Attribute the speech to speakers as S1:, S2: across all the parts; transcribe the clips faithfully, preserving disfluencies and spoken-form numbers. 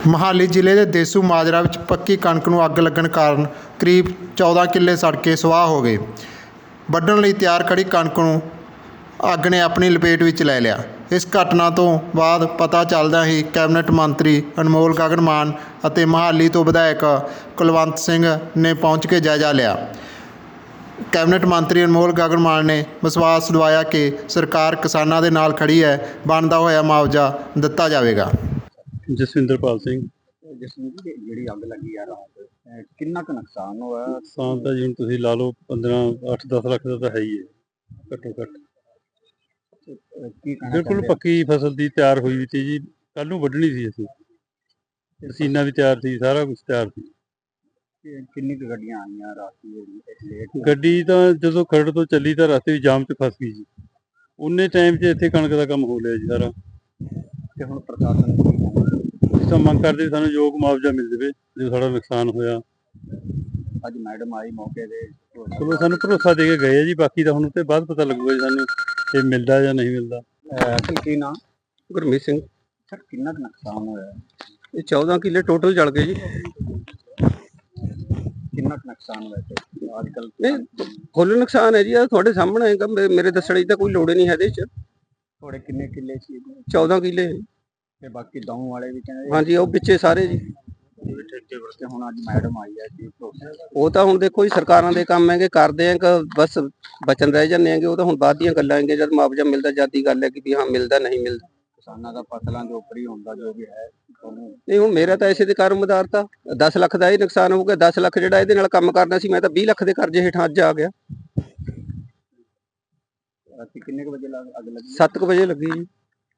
S1: ਮੋਹਾਲੀ ਜ਼ਿਲ੍ਹੇ ਦੇ ਦੇਸੂ ਮਾਜਰਾ ਵਿੱਚ ਪੱਕੀ ਕਣਕ ਨੂੰ ਅੱਗ ਲੱਗਣ ਕਾਰਨ ਕਰੀਬ ਚੌਦਾਂ ਕਿੱਲੇ ਸੜ ਕੇ ਸੁਆਹ ਹੋ ਗਏ। ਵੱਢਣ ਲਈ ਤਿਆਰ ਖੜ੍ਹੀ ਕਣਕ ਨੂੰ ਅੱਗ ਨੇ ਆਪਣੀ ਲਪੇਟ ਵਿੱਚ ਲੈ ਲਿਆ। ਇਸ ਘਟਨਾ ਤੋਂ ਬਾਅਦ ਪਤਾ ਚੱਲਦਿਆਂ ਹੀ ਕੈਬਨਿਟ ਮੰਤਰੀ ਅਨਮੋਲ ਗਗਨ ਮਾਨ ਅਤੇ ਮੋਹਾਲੀ ਤੋਂ ਵਿਧਾਇਕ ਕੁਲਵੰਤ ਸਿੰਘ ਨੇ ਪਹੁੰਚ ਕੇ ਜਾਇਜ਼ਾ ਲਿਆ। ਕੈਬਨਿਟ ਮੰਤਰੀ ਅਨਮੋਲ ਗਗਨ ਮਾਨ ਨੇ ਵਿਸ਼ਵਾਸ ਦਿਵਾਇਆ ਕਿ ਸਰਕਾਰ ਕਿਸਾਨਾਂ ਦੇ ਨਾਲ ਖੜੀ ਹੈ, ਬਣਦਾ ਹੋਇਆ ਮੁਆਵਜ਼ਾ ਦਿੱਤਾ ਜਾਵੇਗਾ।
S2: ਜਸਵਿੰਦਰਪਾਲ ਸਿੰਘ।
S3: ਜਸਵਿੰਦਰ ਜੀ, ਜਿਹੜੀ ਅੱਗ ਲੱਗੀ ਆ ਰਾਤ, ਅਹ ਕਿੰਨਾ ਕੁ ਨੁਕਸਾਨ ਹੋਇਆ?
S2: ਨੁਕਸਾਨ ਤਾਂ ਜੀ ਹੁਣ ਤੁਸੀਂ ਲਾ ਲਓ ਪੰਦਰਾਂ ਅੱਠ ਦਸ ਲੱਖ ਦਾ ਤਾਂ ਹੈ ਹੀ ਹੈ ਘੱਟੋ ਘੱਟ।
S3: ਅਹ ਕੀ ਕਹਿਣਾ
S2: ਬਿਲਕੁਲ
S3: ਚਾਹੁੰਦੇ ਆ?
S2: ਪੱਕੀ ਫਸਲ ਦੀ ਤਿਆਰ ਹੋਈ ਵੀ ਸੀ ਜੀ, ਕੱਲ ਨੂੰ ਵੱਢਣੀ ਸੀ ਅਸੀਂ। ਮਸ਼ੀਨਾਂ ਵੀ ਤਿਆਰ ਸੀ, ਸਾਰਾ ਕੁਝ ਤਿਆਰ ਸੀ।
S3: ਕਿ- ਕਿੰਨੀ ਕੁ ਗੱਡੀਆਂ ਆਈਆਂ ਰਾਤੀ ਲੇਟ?
S2: ਗੱਡੀ ਤਾਂ ਜਦੋਂ ਖਰੜ ਤੋਂ ਚੱਲੀ ਤਾਂ ਰਸਤੇ ਵਿੱਚ ਜਾਮ 'ਚ ਫਸ ਗਈ ਜੀ। ਉਨੇ ਟਾਈਮ 'ਚ ਇੱਥੇ ਕਣਕ ਦਾ ਕੰਮ ਹੋ ਲਿਆ ਜੀ ਸਾਰਾ।
S3: ਤੇ ਹੁਣ ਪ੍ਰਸ਼ਾਸਨ ਕੀ ਕਹਿੰਦਾ?
S2: ਅਸੀਂ ਤਾਂ ਮੰਗ ਕਰਦੇ ਵੀ ਸਾਨੂੰ ਯੋਗ ਮੁਆਵਜ਼ਾ ਮਿਲ ਜਾਵੇ ਜੋ ਸਾਡਾ ਨੁਕਸਾਨ ਹੋਇਆ।
S3: ਅੱਜ ਮੈਡਮ ਆਈ ਮੌਕੇ ਤੇ।
S2: ਚਲੋ ਸਾਨੂੰ ਭਰੋਸਾ ਦੇ ਕੇ ਗਏ ਆ ਜੀ, ਬਾਕੀ ਤਾਂ ਹੁਣ ਉੱਤੇ ਬਾਅਦ ਪਤਾ ਲੱਗੂਗਾ ਜੀ ਸਾਨੂੰ ਇਹ ਮਿਲਦਾ ਜਾਂ ਨਹੀਂ ਮਿਲਦਾ।
S3: ਅਸਲ ਕੀ ਨਾ
S4: ਗੁਰਮੀਤ ਸਿੰਘ।
S3: ਸਰ, ਕਿੰਨਾ ਕੁ ਨੁਕਸਾਨ ਹੋਇਆ?
S4: ਇਹ ਚੌਦਾਂ ਕਿੱਲੇ ਟੋਟਲ ਜਲ ਗਏ ਜੀ।
S3: ਕਿੰਨਾ ਕੁ ਨੁਕਸਾਨ ਹੋਇਆ ਤੇ ਅੱਜ ਕੱਲ?
S4: ਨਹੀਂ, ਫੁੱਲ ਨੁਕਸਾਨ ਹੈ ਜੀ, ਆ ਤੁਹਾਡੇ ਸਾਹਮਣੇ ਹੈਗਾ। ਮੇ- ਮੇਰੇ ਦੱਸਣ ਦੀ ਤਾਂ ਕੋਈ ਲੋੜ ਹੀ ਨਹੀਂ ਹੈ ਇਹਦੇ ਚ।
S3: ਥੋੜੇ ਕਿੰਨੇ ਕਿੱਲੇ ਸੀ?
S4: ਚੌਦਾਂ ਕਿੱਲੇ
S3: ਤੇ ਬਾਕੀ ਦੌਂ ਵਾਲੇ ਵੀ ਕਹਿੰਦੇ
S4: ਹਾਂਜੀ, ਉਹ ਪਿੱਛੇ ਸਾਰੇ ਜੀ।
S3: ਠੇਕੇ ਵਰਤੇ। ਹੁਣ ਅੱਜ ਮੈਡਮ ਆਈ ਹੈ ਜੀ, ਭਰੋਸਾ?
S4: ਉਹ ਤਾਂ ਹੁਣ ਦੇਖੋ ਜੀ, ਸਰਕਾਰਾਂ ਦੇ ਕੰਮ ਹੈਗੇ, ਕਰਦੇ ਆ ਕਿ ਬਸ ਬਚਨ ਰਹਿ ਜਾਂਦੇ ਹੈਗੇ। ਉਹ ਤਾਂ ਹੁਣ ਬਾਅਦ ਦੀਆਂ ਗੱਲਾਂ ਹੈਗੀਆਂ, ਜਦ ਮੁਆਵਜ਼ਾ ਮਿਲਦਾ ਜਦ ਦੀ ਗੱਲ ਹੈ ਕਿ ਵੀ ਹਾਂ ਮਿਲਦਾ ਨਹੀਂ ਮਿਲਦਾ।
S3: ਕਿਸਾਨਾਂ ਦਾ ਫਸਲਾਂ ਦੇ ਉੱਪਰ ਹੀ ਹੁੰਦਾ ਜੋ ਵੀ ਹੈ ਤੁਹਾਨੂੰ।
S4: ਨਹੀਂ, ਹੁਣ ਮੇਰਾ ਤਾਂ ਐਸੇ ਦੇ ਕਾਰੋਬਾਰ ਤਾਂ ਦਸ ਲੱਖ ਦਾ ਇਹ ਨੁਕਸਾਨ ਹੋ ਗਿਆ। ਦਸ ਲੱਖ ਜਿਹੜਾ ਇਹਦੇ ਨਾਲ ਕੰਮ ਕਰਨਾ ਸੀ, ਮੈਂ ਤਾਂ ਵੀਹ ਲੱਖ ਦੇ ਕਰਜ਼ੇ ਹੇਠਾਂ ਅੱਜ ਆ ਗਿਆ।
S3: ਰਾਤੀ ਕਿੰਨੇ ਕੁ ਵਜੇ ਲੱਗ- ਅੱਗ ਲੱਗੀ?
S4: ਸੱਤ ਕੁ ਵਜੇ ਲੱਗੀ ਜੀ।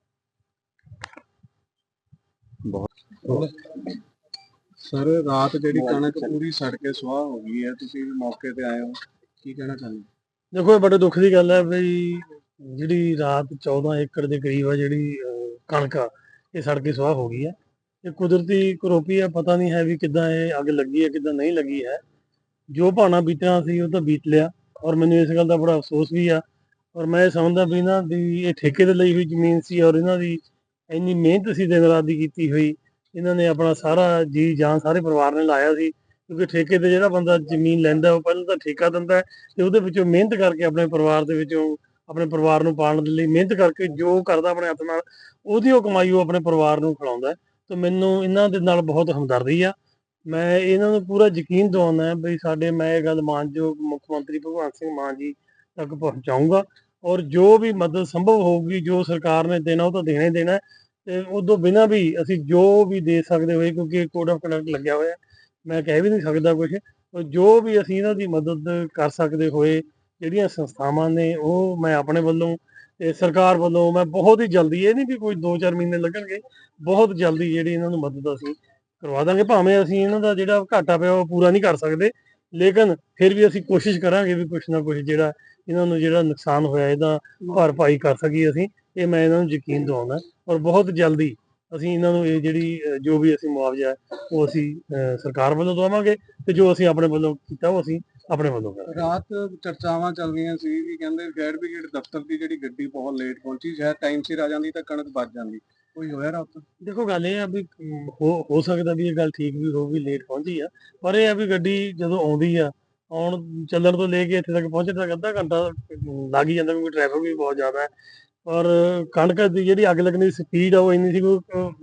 S5: ਸਰ, ਰਾਤ ਜਿਹੜੀ ਕਣਕ ਪੂਰੀ ਸੜ ਕੇ ਸੁਆਹ ਹੋ ਗਈ ਹੈ, ਤੁਸੀਂ ਵੀ ਮੌਕੇ ਤੇ ਆਏ ਹੋ, ਕੀ ਕਹਿਣਾ ਚਾਹੁੰਦੇ ਹੋ?
S6: ਦੇਖੋ, ਇਹ ਬੜੇ ਦੁੱਖ ਦੀ ਗੱਲ ਹੈ ਬਈ ਜਿਹੜੀ ਰਾਤ ਚੌਦਾਂ ਏਕੜ ਦੇ ਕਰੀਬ ਆ ਜਿਹੜੀ ਅਹ, ਕਣਕ ਆ, ਇਹ ਸੜ ਕੇ ਸੁਆਹ ਹੋ ਗਈ ਹੈ। ਇਹ ਕੁਦਰਤੀ ਕਰੋਪੀ ਆ, ਪਤਾ ਨਹੀਂ ਹੈ ਵੀ ਕਿੱਦਾਂ ਇਹ ਅੱਗ ਲੱਗੀ ਹੈ ਕਿੱਦਾਂ ਨਹੀਂ ਲੱਗੀ ਹੈ। ਜੋ ਭਾਣਾ ਬੀਤਣਾ ਸੀ ਉਹ ਤਾਂ ਬੀਤ ਲਿਆ, ਔਰ ਮੈਨੂੰ ਇਸ ਗੱਲ ਦਾ ਬੜਾ ਅਫਸੋਸ ਵੀ ਆ। ਔਰ ਮੈਂ ਇਹ ਸਮਝਦਾ ਵੀ ਇਹਨਾਂ ਦੀ ਇਹ ਠੇਕੇ ਤੇ ਲਈ ਹੋਈ ਜ਼ਮੀਨ ਸੀ, ਔਰ ਇਹਨਾਂ ਦੀ ਇੰਨੀ ਮਿਹਨਤ ਸੀ ਦਿਨ ਰਾਤ ਦੀ ਕੀਤੀ ਹੋਈ। ਇਹਨਾਂ ਨੇ ਆਪਣਾ ਸਾਰਾ ਜੀ ਜਾਨ ਸਾਰੇ ਪਰਿਵਾਰ ਨੇ ਲਾਇਆ ਸੀ, ਕਿਉਂਕਿ ਠੇਕੇ ਤੇ ਜਿਹੜਾ ਬੰਦਾ ਜ਼ਮੀਨ ਲੈਂਦਾ ਉਹ ਪਹਿਲਾਂ ਤਾਂ ਠੇਕਾ ਦਿੰਦਾ ਹੈ ਤੇ ਉਹਦੇ ਵਿੱਚੋਂ ਮਿਹਨਤ ਕਰਕੇ ਆਪਣੇ ਪਰਿਵਾਰ ਦੇ ਵਿੱਚੋਂ ਆਪਣੇ ਪਰਿਵਾਰ ਨੂੰ ਪਾਲਣ ਦੇ ਲਈ ਮਿਹਨਤ ਕਰਕੇ ਜੋ ਕਰਦਾ ਆਪਣੇ ਹੱਥ ਨਾਲ, ਉਹਦੀ ਉਹ ਕਮਾਈ ਉਹ ਆਪਣੇ ਪਰਿਵਾਰ ਨੂੰ ਖਿਲਾਉਂਦਾ। ਤੇ ਮੈਨੂੰ ਇਹਨਾਂ ਦੇ ਨਾਲ ਬਹੁਤ ਹਮਦਰਦੀ ਆ। ਮੈਂ ਇਹਨਾਂ ਨੂੰ ਪੂਰਾ ਯਕੀਨ ਦਿਵਾਉਂਦਾ ਵੀ ਸਾਡੇ, ਮੈਂ ਇਹ ਗੱਲ ਮਾਨਯੋਗ ਮੁੱਖ ਮੰਤਰੀ ਭਗਵੰਤ ਸਿੰਘ ਮਾਨ ਜੀ ਤੱਕ ਪਹੁੰਚਾਊਂਗਾ, ਔਰ ਜੋ ਵੀ ਮਦਦ ਸੰਭਵ ਹੋਊਗੀ, ਜੋ ਸਰਕਾਰ ਨੇ ਦੇਣਾ ਉਹ ਤਾਂ ਦੇਣਾ ਹੀ ਦੇਣਾ। ਤੇ ਉਦੋਂ ਬਿਨਾਂ ਵੀ ਅਸੀਂ ਜੋ ਵੀ ਦੇ ਸਕਦੇ ਹੋਏ, ਕਿਉਂਕਿ ਕੋਡ ਆਫ ਕੰਡਕਟ ਲੱਗਿਆ ਹੋਇਆ, ਮੈਂ ਕਹਿ ਵੀ ਨਹੀਂ ਸਕਦਾ ਕੁਝ। ਜੋ ਵੀ ਅਸੀਂ ਇਹਨਾਂ ਦੀ ਮਦਦ ਕਰ ਸਕਦੇ ਹੋਏ, ਜਿਹੜੀਆਂ ਸੰਸਥਾਵਾਂ ਨੇ ਉਹ ਮੈਂ ਆਪਣੇ ਵੱਲੋਂ ਤੇ ਸਰਕਾਰ ਵੱਲੋਂ ਮੈਂ ਬਹੁਤ ਹੀ ਜਲਦੀ, ਇਹ ਨਹੀਂ ਵੀ ਕੋਈ ਦੋ ਚਾਰ ਮਹੀਨੇ ਲੱਗਣਗੇ, ਬਹੁਤ ਜਲਦੀ ਜਿਹੜੀ ਇਹਨਾਂ ਨੂੰ ਮਦਦ ਅਸੀਂ ਕਰਵਾ ਦਾਂਗੇ। ਭਾਵੇਂ ਅਸੀਂ ਇਹਨਾਂ ਦਾ ਜਿਹੜਾ ਘਾਟਾ ਪਿਆ ਉਹ ਪੂਰਾ ਨਹੀਂ ਕਰ ਸਕਦੇ, ਲੇਕਿਨ ਫਿਰ ਵੀ ਅਸੀਂ ਕੋਸ਼ਿਸ਼ ਕਰਾਂਗੇ ਵੀ ਕੁਛ ਨਾ ਕੁਛ ਜਿਹੜਾ ਇਹਨਾਂ ਨੂੰ ਜਿਹੜਾ ਨੁਕਸਾਨ ਹੋਇਆ ਇਹਦਾ ਭਰਪਾਈ ਕਰ ਸਕੀਏ ਅਸੀਂ। ਇਹ ਮੈਂ ਇਹਨਾਂ ਨੂੰ ਯਕੀਨ ਦਿਵਾਉਂਦਾ, ਔਰ ਬਹੁਤ ਜਲਦੀ ਅਸੀਂ ਇਹਨਾਂ ਨੂੰ ਇਹ ਜਿਹੜੀ ਅਹ, ਜੋ ਵੀ ਅਸੀਂ ਮੁਆਵਜ਼ਾ ਹੈ ਉਹ ਅਸੀਂ ਅਹ, ਸਰਕਾਰ ਵੱਲੋਂ ਦਵਾਵਾਂਗੇ, ਤੇ ਜੋ ਅਸੀਂ ਆਪਣੇ ਵੱਲੋਂ ਕੀਤਾ ਉਹ ਅਸੀਂ ਆਪਣੇ ਵੱਲੋਂ ਕਰਾਂਗੇ।
S5: ਰਾਤ ਚਰਚਾਵਾਂ ਚੱਲ ਰਹੀਆਂ ਸੀ ਵੀ ਕਹਿੰਦੇ ਫਾਇਰ ਬ੍ਰਿਗੇਡ ਦਫ਼ਤਰ ਦੀ ਜਿਹੜੀ ਗੱਡੀ ਬਹੁਤ ਲੇਟ ਪਹੁੰਚੀ, ਸ਼ਾਇਦ ਟਾਈਮ ਸਿਰ ਆ ਜਾਂਦੀ ਤਾਂ ਕਣਕ ਬਚ ਜਾਂਦੀ। ਕੋਈ ਹੋਇਆ ਰਾਤ?
S6: ਦੇਖੋ, ਗੱਲ ਇਹ ਆ ਵੀ ਅਮ, ਹੋ ਹੋ ਸਕਦਾ ਵੀ ਇਹ ਗੱਲ ਠੀਕ ਵੀ ਹੋਊਗੀ, ਲੇਟ ਪਹੁੰਚੀ ਆ, ਪਰ ਇਹ ਆ ਵੀ ਗੱਡੀ ਜਦੋਂ ਆਉਂਦੀ ਆ, ਆਉਣ ਚੱਲਣ ਤੋਂ ਲੈ ਕੇ ਇੱਥੇ ਤੱਕ ਪਹੁੰਚਣ ਤੱਕ ਅੱਧਾ ਘੰਟਾ ਅਮ, ਲੱਗ ਹੀ ਜਾਂਦਾ, ਕਿਉਂਕਿ ਟ੍ਰੈਫਿਕ ਵੀ ਬਹੁਤ ਜ਼ਿਆਦਾ ਹੈ। ਔਰ ਕਣਕ ਦੀ ਜਿਹੜੀ ਅੱਗ ਲੱਗਣ ਦੀ ਸਪੀਡ ਆ ਉਹ ਇੰਨੀ ਸੀ ਕਿ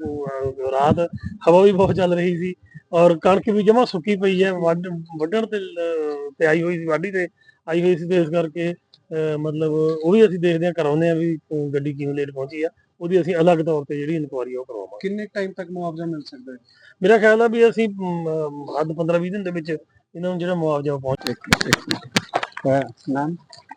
S6: ਅਹ, ਰਾਤ ਹਵਾ ਵੀ ਬਹੁਤ ਚੱਲ ਰਹੀ ਸੀ, ਔਰ ਕਣਕ ਵੀ ਜਮਾਂ ਸੁੱਕੀ ਪਈ ਹੈ, ਵੱਢ ਵੱਢਣ ਤੇ ਅਹ, ਤੇ ਆਈ ਹੋਈ ਸੀ, ਵਾਢੀ ਤੇ ਆਈ ਹੋਈ ਸੀ, ਤੇ ਇਸ ਕਰਕੇ ਅਹ, ਮਤਲਬ ਉਹ ਵੀ ਅਸੀਂ ਦੇਖਦੇ ਹਾਂ, ਕਰਾਉਂਦੇ ਹਾਂ ਵੀ ਅਹ, ਗੱਡੀ ਕਿਉਂ ਲੇਟ ਪਹੁੰਚੀ ਆ। ਉਹਦੀ ਅਸੀਂ ਅਲੱਗ ਤੌਰ ਤੇ ਜਿਹੜੀ ਇਨਕੁਆਇਰੀ ਉਹ ਕਰਵਾਵਾਂਗੇ।
S5: ਕਿੰਨੇ ਟਾਈਮ ਤੱਕ ਮੁਆਵਜ਼ਾ ਮਿਲ ਸਕਦਾ ਹੈ?
S6: ਮੇਰਾ ਖਿਆਲ ਆ ਵੀ ਅਸੀਂ ਅਮ, ਹੱਦ ਪੰਦਰਾਂ ਵੀਹ ਦਿਨ ਦੇ ਵਿੱਚ ਇਹਨਾਂ ਨੂੰ ਜਿਹੜਾ ਮੁਆਵਜ਼ਾ ਉਹ ਪਹੁੰਚ
S3: ਨਾਮ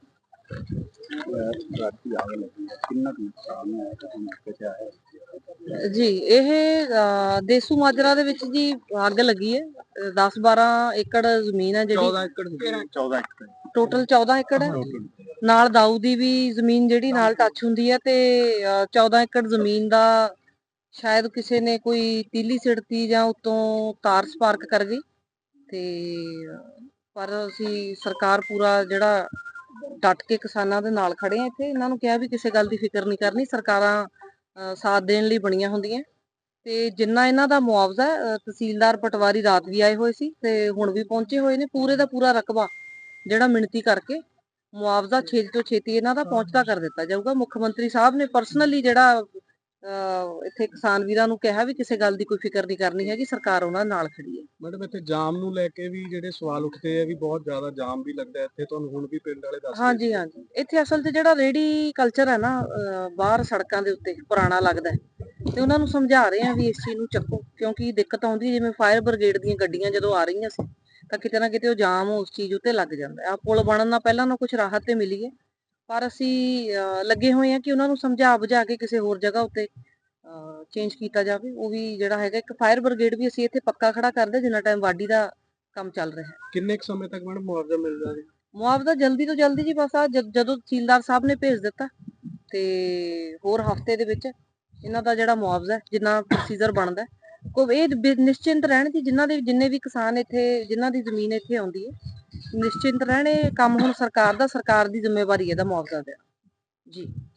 S3: ਰਾਤੀ ਅੱਗ ਲੱਗੀ ਹੈ, ਕਿੰਨਾ ਕੁ ਨੁਕਸਾਨ ਹੋਇਆ ਤੇ ਮੌਕੇ ਤੇ ਆਇਆ?
S7: ਜੀ, ਇਹ ਅ, ਦੇਸੂ ਮਾਜਰਾ ਦੇ ਵਿੱਚ ਜੀ ਅੱਗ ਲੱਗੀ ਹੈ। ਦਸ ਬਾਰਾਂ ਏਕੜ ਜ਼ਮੀਨ ਹੈ ਜਿਹੜੀ,
S5: ਚੌਦਾਂ ਏਕੜ ਚੌਦਾਂ ਏਕੜ
S7: ਟੋਟਲ ਚੌਦਾਂ ਏਕੜ ਹੈ। ਨਾਲ ਦਾਊ ਦੀ ਵੀ ਜ਼ਮੀਨ ਜਿਹੜੀ ਨਾਲ ਟੱਚ ਹੁੰਦੀ ਹੈ, ਤੇ ਅ, ਚੌਦਾਂ ਏਕੜ ਜ਼ਮੀਨ ਦਾ ਸ਼ਾਇਦ ਕਿਸੇ ਨੇ ਕੋਈ ਤੀਲੀ ਸਿੜਤੀ ਜਾਂ ਉਤੋਂ ਤਾਰ ਸਪਾਰਕ ਕਰ ਗਈ। ਤੇ ਪਰ ਅਸੀਂ ਸਰਕਾਰ ਪੂਰਾ ਜਿਹੜਾ ਡਟ ਕੇ ਕਿਸਾਨਾਂ ਦੇ ਨਾਲ ਖੜੇ ਆ। ਇੱਥੇ ਇਹਨਾਂ ਨੂੰ ਕਿਹਾ ਵੀ ਕਿਸੇ ਗੱਲ ਦੀ ਫਿਕਰ ਨਹੀਂ ਕਰਨੀ, ਸਰਕਾਰਾਂ ਅ, ਸਾਥ ਦੇਣ ਲਈ ਬਣੀਆਂ ਹੁੰਦੀਆਂ। ਤੇ ਜਿੰਨਾ ਇਹਨਾਂ ਦਾ ਮੁਆਵਜ਼ਾ ਹੈ, ਅ, ਤਹਿਸੀਲਦਾਰ ਪਟਵਾਰੀ ਰਾਤ ਵੀ ਆਏ ਹੋਏ ਸੀ ਤੇ ਹੁਣ ਵੀ ਪਹੁੰਚੇ ਹੋਏ ਨੇ। ਪੂਰੇ ਦਾ ਪੂਰਾ ਰਕਬਾ ਜਿਹੜਾ ਮਿਣਤੀ ਕਰਕੇ ਮੁਆਵਜ਼ਾ ਛੇਤੀ ਤੋਂ ਛੇਤੀ ਇਹਨਾਂ ਦਾ ਪਹੁੰਚਦਾ ਕਰ ਦਿੱਤਾ ਜਾਊਗਾ। ਮੁੱਖ ਮੰਤਰੀ ਸਾਹਿਬ ਨੇ ਪਰਸਨਲੀ ਜਿਹੜਾ ਅ, ਇੱਥੇ ਕਿਸਾਨ ਵੀਰਾਂ ਨੂੰ ਕਿਹਾ ਵੀ ਕਿਸੇ ਗੱਲ ਦੀ ਕੋਈ ਫਿਕਰ ਨਹੀਂ ਕਰਨੀ ਹੈਗੀ, ਸਰਕਾਰ ਉਹਨਾਂ ਨਾਲ ਖੜੀ ਹੈ।
S5: ਮੈਡਮ ਇੱਥੇ ਜਾਮ ਨੂੰ ਲੈ ਕੇ ਵੀ ਜਿਹੜੇ ਸਵਾਲ ਉੱਠਦੇ ਆ ਵੀ ਬਹੁਤ ਜ਼ਿਆਦਾ ਜਾਮ ਵੀ ਲੱਗਦਾ ਇੱਥੇ, ਤੁਹਾਨੂੰ ਹੁਣ ਵੀ ਪਿੰਡ ਵਾਲੇ ਦੱਸਦੇ
S7: ਹਾਂਜੀ ਹਾਂਜੀ, ਇੱਥੇ ਅਸਲ 'ਚ ਜਿਹੜਾ ਰੇਹੜੀ ਕਲਚਰ ਹੈ ਨਾ, ਅ, ਬਾਹਰ ਸੜਕਾਂ ਦੇ ਉੱਤੇ ਪੁਰਾਣਾ ਲੱਗਦਾ ਹੈ ਤੇ ਉਹਨਾਂ ਨੂੰ ਸਮਝਾ ਰਹੇ ਆ ਵੀ ਇਸ ਚੀਜ਼ ਨੂੰ ਚੱਕੋ, ਕਿਉਂਕਿ ਦਿੱਕਤ ਆਉਂਦੀ ਹੈ। ਜਿਵੇਂ ਫਾਇਰ ਬ੍ਰਿਗੇਡ ਦੀਆਂ ਗੱਡੀਆਂ ਜਦੋਂ ਆ ਰਹੀਆਂ ਸੀ ਤਾਂ ਕਿਤੇ ਨਾ ਕਿਤੇ ਉਹ ਜਾਮ ਉਸ ਚੀਜ਼ ਉੱਤੇ ਲੱਗ ਜਾਂਦਾ ਆ। ਪੁਲ ਬਣਨ ਨਾਲ ਪਹਿਲਾਂ ਨਾ ਕੁਝ ਰਾਹਤ ਤੇ ਮਿਲੀ ਹੈ, ਪਰ ਅਸੀਂ ਅ, ਲੱਗੇ ਹੋਏ ਆ ਕਿ ਉਹਨਾਂ ਨੂੰ ਸਮਝਾ ਬੁਝਾ ਕੇ ਕਿਸੇ ਹੋਰ ਜਗ੍ਹਾ ਉੱਤੇ ਚੇਂਜ ਕੀਤਾ ਜਾਵੇ। ਉਹ ਵੀ ਜਿਹੜਾ ਹੈਗਾ ਇੱਕ ਫਾਇਰ ਬ੍ਰਿਗੇਡ ਵੀ ਅਸੀਂ ਇੱਥੇ ਪੱਕਾ ਖੜਾ ਕਰਦੇ ਜਿੰਨਾ ਟਾਈਮ ਵਾਢੀ ਦਾ ਕੰਮ ਚੱਲ ਰਿਹਾ ਹੈ।
S5: ਕਿੰਨੇ ਕੁ ਸਮੇਂ ਤੱਕ ਮੈਡਮ ਮੁਆਵਜ਼ਾ ਮਿਲਦਾ ਜੀ?
S7: ਮੁਆਵਜ਼ਾ ਜਲਦੀ ਤੋਂ ਜਲਦੀ ਜੀ, ਬਸ ਆ ਜਦੋਂ ਤਹਿਸੀਲਦਾਰ ਸਾਹਿਬ ਨੇ ਭੇਜ ਦਿੱਤਾ ਤੇ ਹੋਰ ਹਫਤੇ ਦੇ ਵਿੱਚ ਇਹਨਾਂ ਦਾ ਜਿਹੜਾ ਮੁਆਵਜ਼ਾ ਹੈ, ਜਿੰਨਾ ਪ੍ਰੋਸੀਜਰ ਬਣਦਾ ਹੈ, ਕੋਈ ਇਹ ਬ- ਨਿਸ਼ਚਿੰਤ ਰਹਿਣ ਜੀ, ਜਿਨ੍ਹਾਂ ਦੇ ਜਿੰਨੇ ਵੀ ਕਿਸਾਨ ਇੱਥੇ ਜਿਨ੍ਹਾਂ ਦੀ ਜ਼ਮੀਨ ਇੱਥੇ ਆਉਂਦੀ ਹੈ, ਨਿਸ਼ਚਿੰਤ ਰਹਿਣ। ਇਹ ਕੰਮ ਹੁਣ ਸਰਕਾਰ ਦਾ, ਸਰਕਾਰ ਦੀ ਜ਼ਿੰਮੇਵਾਰੀ ਹੈ ਇਹਦਾ ਮੁਆਵਜ਼ਾ ਦੇਣਾ ਜੀ।